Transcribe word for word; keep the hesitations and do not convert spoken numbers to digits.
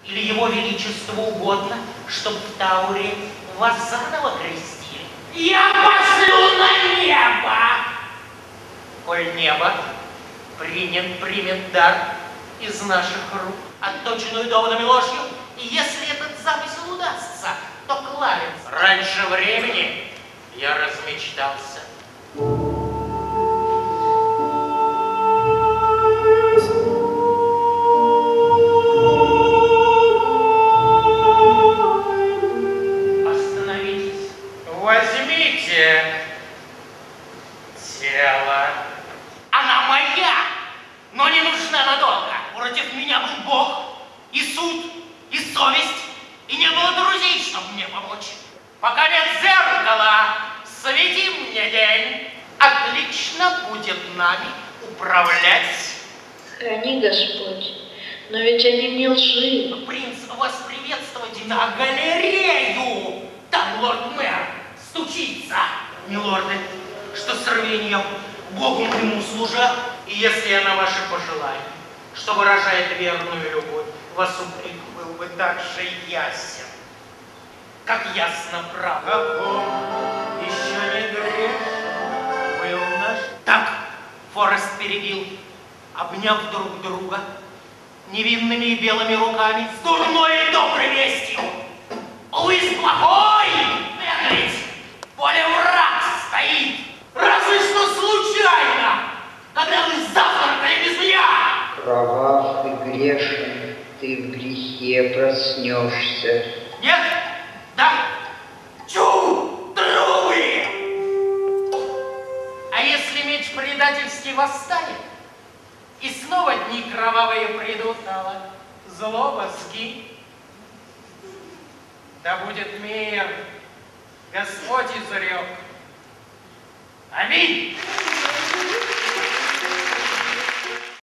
Или его величеству угодно, чтобы в Тауре вас заново крестили? Я пошлю на небо! Коль небо принят, примет дар из наших рук, отточенную доводами ложью, и если этот замысел удастся, то Кларенс раньше времени я размечтался. Остановитесь. Возьмите тело. Она моя, но не нужна надолго. Против меня был Бог, и суд, и совесть, и не было друзей, чтобы мне помочь. Пока нет зеркала, свети мне день. Отлично будет нами управлять. Храни, Господь, но ведь они не лживы. Принц, вас приветствовать на галерею. Там лорд-мэр стучится. Милорды, что с рвением Богу моему служа, и если я на ваши пожелания, что выражает верную любовь, вас упрек был бы так же ясен, как ясно правда. Каком еще не грешен был наш... Так, Форест перебил, обняв друг друга невинными и белыми руками, с дурной и доброй вестью. Луис плохой, Энрид, поле враг стоит. Разве что случайно, когда вы завтракали без меня. Кровав и грешен, ты в грехе проснешься. Нет? Да? Чу! Трубы! А если меч предательский восстанет, и снова дни кровавые придут, злоба скинь. Да будет мир, Господь изрек. Аминь!